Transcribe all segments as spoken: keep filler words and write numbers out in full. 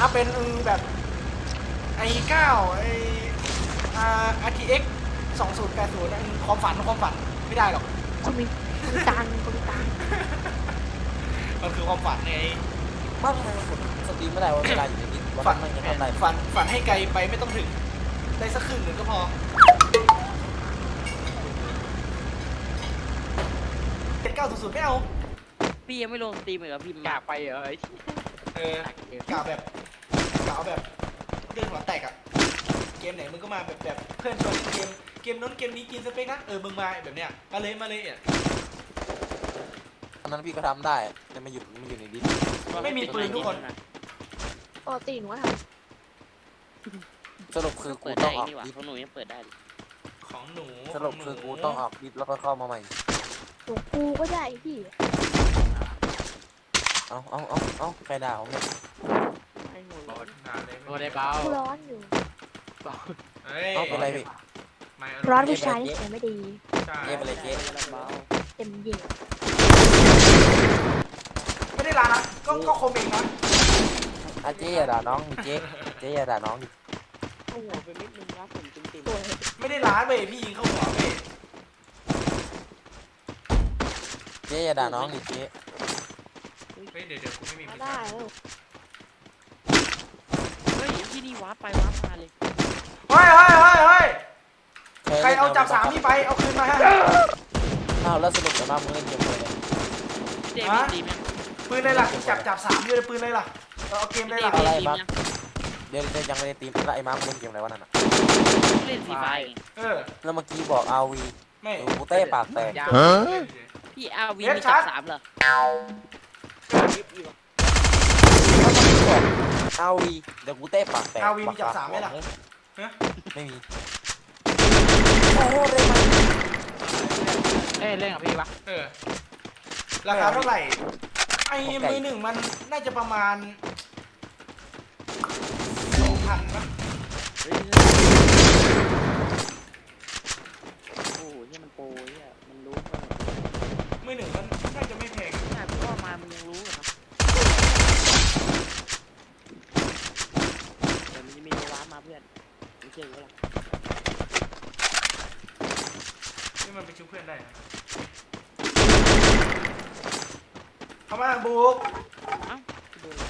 อัพเป็นแบบไอ้เก้าไอ้อ่า อาร์ ที เอ็กซ์ สองศูนย์แปดศูนย์ความฝันความฝันไม่ได้หรอกคุณมีคุณตังคุณตังมันคือความฝันไงว่าทำไมมันกดสตรีมไม่ได้วะเวลาอยู่ในดิสวันฝันั้น นมันยังทำได้ฝันฝันให้ไกลไปไม่ต้องถึงได้สักครึ่งหนึ่งก็พอเจ็ดเก้าศูนย์ศูนย์ไม่เอาพี่ยังไม่ลงสตรีมเลยเหรอพี่อยากไปเหรอไอ้เออกล่าวแบบกล่าวแบบเรื่องหัวแตกอะเกมไหนมึงก็มาแบบแบบเพื่อนชวนเล่นเกมเกมนู้นเกมนี้กินสเปคนะเออมึงมาแบบเนี้ยมาเลยมาเลยอ่ะตอนนั้นพี่ก็ทำได้แต่ไม่หยุดไม่อยู่ในดิสไม่มีปืนทุกคนปกติหนูว่าทสรุปคือกูเปิดต้ได้องออกนี่หว่าดิสของหนูยังเปิดได้ของหนูสรุปคือกูต้องออกดิสแล้วก็เข้ามาใหม่ำหนูกูก็ได้พี่เอาเอาเอาเอาใครด่าผมเนี่ยไอ้หนูร้อนนานเลยโดนได้เบากูร้อนอยู่เฮ้ยเอาเป็นไรพี่ไม่ร้อนผู้ชายนิสัยไม่ดีใช่เจ๊ไปเลยเจ๊เบาเต็มเหยียดไม่ได้ลานะก็ก็คมเองนะอ่ะเจ๊อย่าด่าน้องดิเจ๊เจ๊อย่าด่าน้องดิโอ้โหเป็นนิดนึงนะผมจริงสวยไม่ได้ล้าเว้ยพี่ยิงเข้าหัวเว้ยเจ๊อย่าด่าน้องดิเจ๊เฮ้ยเดี๋ยวเดี๋ยวกูไม่มีมาพิซได้ซ่าแล้วๆเฮ้ยที่นี่วาร์ปไปวาร์ปมาเลยเฮ้ยเฮ้ยเฮ้ยเฮ้ยใครเอาจับสามพี่ไปเอาคืนมาฮะอ้าวแล้วสรุปจะมามึงเล่นเกมเลยพี่เดพี่สตรีมยังปืนเลยล่ะจับจับสามอยู่เลยปืนเลยล่ะเราเอาเกมพี่เลยเดล่ะพี่สตรีมยังเดี๋ยวเดี๋ยวยังไม่ได้ตีมแล้วไอ้มาร์คมันเล่นเกมอะไรวะนั่นน่ะเล่นฟรีไฟไงเออแล้วเมื่อกี้บอกอาวีไม่กูเต้ปากแตกยาวพี่อาวีมีจับสามเหรออาวีเดี๋ยวกูเต้ปากแตกอาวีมีจับสามไหมล่ะฮะไม่มีเอ้ยเล่นกับพี่ปะเออราคาเท่าไหร่ไอ้มือหนึ่งมันน่าจะประมาณสองพันนะเฮ้ยโอ้โหนี่มันโปรเนี่ยมันรู้ว่ามือหนึ่งมันน่าจะไม่แพงหน้าพี่ว่ามามันยังรู้เหรอครับเดี๋ยวมันจะมีวาร์ปมาเพื่อนไม่เชื่อกูหรอกนี่มันไปชุบเพื่อนได้นะเข้ามาบุกเอ้าโดน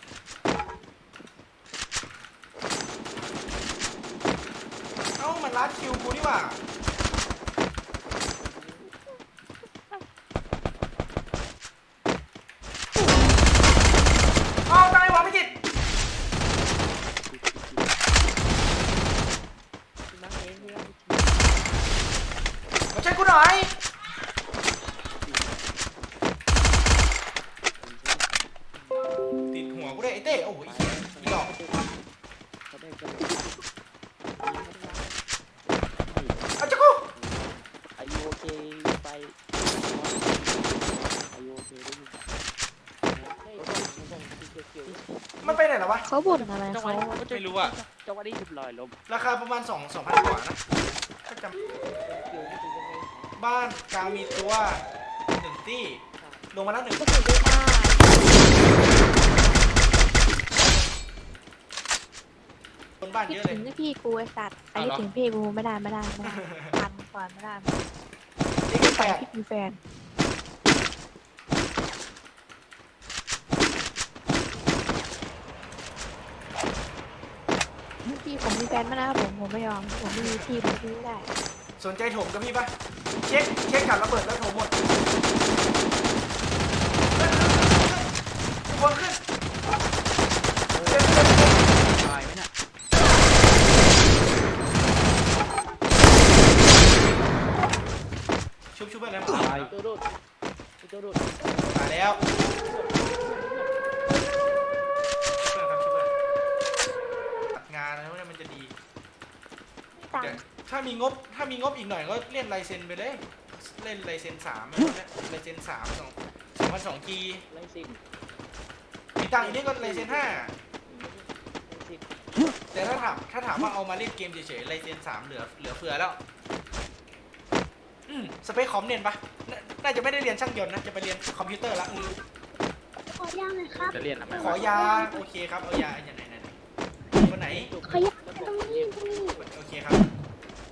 เอ้ามันลัดคิวกูนี่หว่าเอาตายวะไม่จิตมาเองเพื่อนมาช่วยกูหน่อยติดหัวกูได้ไอ้เต้โอ้โหไอ้เหี้ยอีดอกเขาได้กันเอาจักกูอายุโอเคไปอายุโอเคได้ยินมันไปไหนแล้ววะเขาบ่นอะไรจังหเขาวะไม่รู้อะจังหวะนี้หยุดลอยลมราคาประมาณสองสองพันกว่านะก็จำบ้านกลางมีตัวหนึ่งตี้ลงมาแล้วหนึ่งก็ถือได้มากบนบ้านคิดเยอะเลถึยงนะพี่กูไอสัตว์ไอ้คิดถึงพี่กูไม่ได้ไม่ได้ไม่ได้ทันก่อนไม่ได้นี่เป็นไปแปดพี่มีแฟนพี่ผมมีแฟนมาแล้วผมผมไม่ยอมผมไม่มีพี่ผมพี่ไม่ได้สนใจถมกับพี่ปะเช็คเช็คกับระเบิดแล้วถมหมดคนขึ้นเร็วเร็วเร็วตายไหมเนี่ยชุบชุบไปแล้วตายตัวโดดตัวโดดมาแล้วเพื่อนครับชุบเพื่อนตัดงานแล้วเนี่ยมันจะดีตังเดี๋ยวค์ถ้ามีงบถ้ามีงบอีกหน่อยก็เล่นไลเซนไปเลยเล่นไลเซนสามไลเซนสามสองสองพันสองจีไล่สินมีตังค์อีกนี่ก็ไลเซนห้าไล่สินแต่ถ้าถามถ้าถามว่าเอามาเล่นเกมเฉยๆไลเซนสามเหลือเหลือเฟือแล้วอืมสเปคคอมเรียนปะน่าน่าจะไม่ได้เรียนช่างยนต์นะจะไปเรียนคอมพิวเตอร์ละอืมขอย่างเลยครับจะเรียนทำไมขอยาโอเคครับเอายาอย่างไหน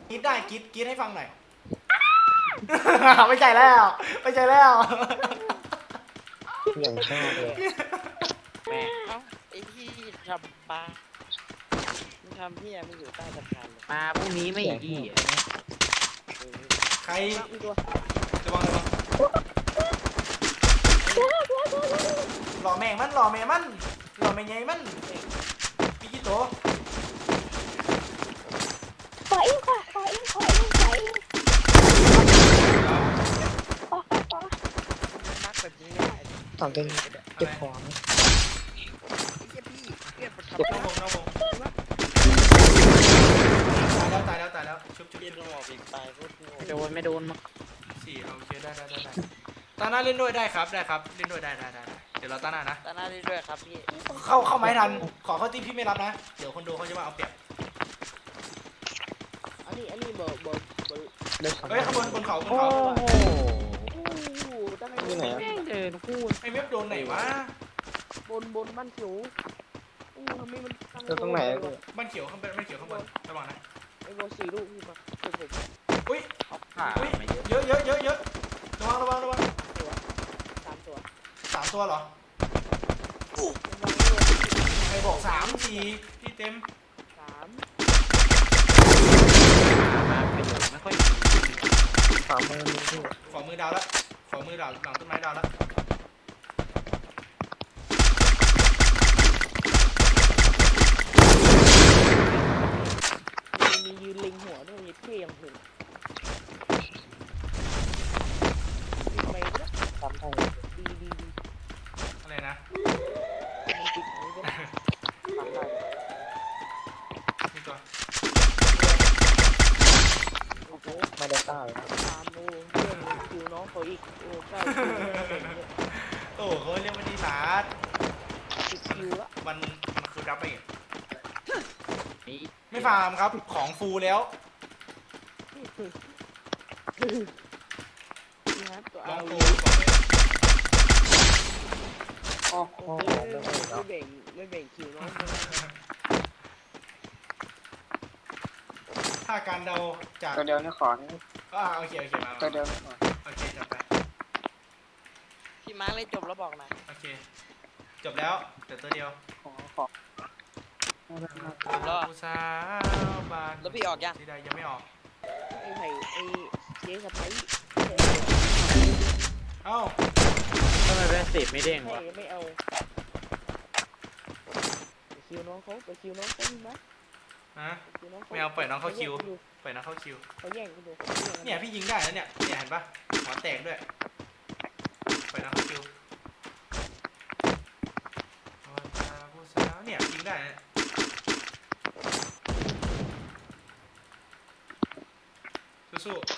กรีดได้กรีดกรีดให้ฟังหน่อย ไม่ใช่แล้วไม่ใช่แล้วอย่างชอบเลยแม่เอ้าไอ้ที่ทำปลามึงทำเหี้ยมึงอยู่ใต้สะพานเลยมาพรุ่งนี้ไม่อีกเออใครมีตัวระวังระวังหล่อแม่งมันหล่อแม่มันหล่อแม่ไงมันมีกี่ตัวขออิงขอขออิงขออิงขออิงขอขอขอมักแบบนี้ไม่ได้สองเก่งเก็บของไอ้เหี้ยพี่เรียกมันทำน้ได้องวงน้องวงตายแล้วตายแล้วตายแล้วชุบชุบเรียนชุบหมอกอีกตายโคตรโง่โดนไม่โดนมั้งสี่โอเคได้ได้ได้ได้ตาหน้าเล่นด้วยได้ครับได้ครับเล่นด้วยได้ได้ได้ได้เดี๋ยวเราตาหน้านะตาหน้าได้ด้วยครับพี่เข้าเข้าไม้ทันขอเข้าทีมพี่ไม่รับนะเดี๋ยวคนดูเขาจะว่าเอาเปรียบอันนี้อันนี้เบอร์เบอร์เบอร์เฮ้ยข้างบนบนเขาบนโอ้เขาโหโอ้ตั้งไงนี่ไหนแม่งเดินคู่ไอ้เว็บโดนไหนวะบนบนบ้านสูงอู้ทำไมมันตั้งแล้วตรงไหนอะพี่บ้านเขียวข้างบนบ้านเขียวข้างบนระวังนะไอ้โบสี่ลูกพี่มาเป็นผมอุ้ยเขาผ่าอุ้ยไม่เยอะเยอะเยอะเยอะเยอะระวังระวังระวังตัวสามตัวสามตัวเหรอระวังด้วยใครบอกสามสี่พี่เต็มสามมาประโยชน์ไม่ค่อยมีขวามือมีพี่ขอมือดาวแล้วขอมือดาวหลังต้นไม้ดาวแล้วมีมียืนเล็งหัวด้วยมีเท่ยังถึงติดไปแล้วทำได้ดีดีดีอะไรนะมันติดไปแล้วทำได้นี่ตัวโอ้โหไม่ได้ต้าเลยตามโอ้เพื่อนคิวน้องเขาอีกโอ้เก้าคิวเก่งเลยโอ้เขาเรียกว่าดีลาดสิบคิวละมันมันคือรับไปอีกนี่ไม่ฟาร์มครับของฟูแล้วนี่ครับตัวลเอาองฟูอ๋อโออ๋อเคไม่ไม่ได้เนาะแบ่งไม่แบ่งคิวน้องถ้าการเดาจากตัวเดียวนี่ขอนี่อ่าโอเคโอเคมาตัวเดียวนี่ขอโอเคจับไปพี่มาร์คเล่นจบแล้วบอกนะโอเคจบแล้วเดี๋ยวตัวเดียวขอขอผู้สาวบานแล้วพี่ออกยังที่ใดยังไม่ออกไอ้ไผ่ไอ้เจ๊สะพ้ายเอ้าทำไมเป็นสิบไม่เด้งให้วะไม่เอาไปคิวน้องเขาไปคิวน้องเขาพี่มาร์คฮะไปคิวน้องเขาไม่เอาปล่อยน้องเข้าคิว ไปนะเข้าคิวเขาแย่งกันดูเนี่ยพี่ยิงได้แล้วเนี่ยเนี่ยเห็นปะหัวแตกด้วยไปนะเข้าคิวผู้สาวเนี่ยยิงได้นะสู้ๆ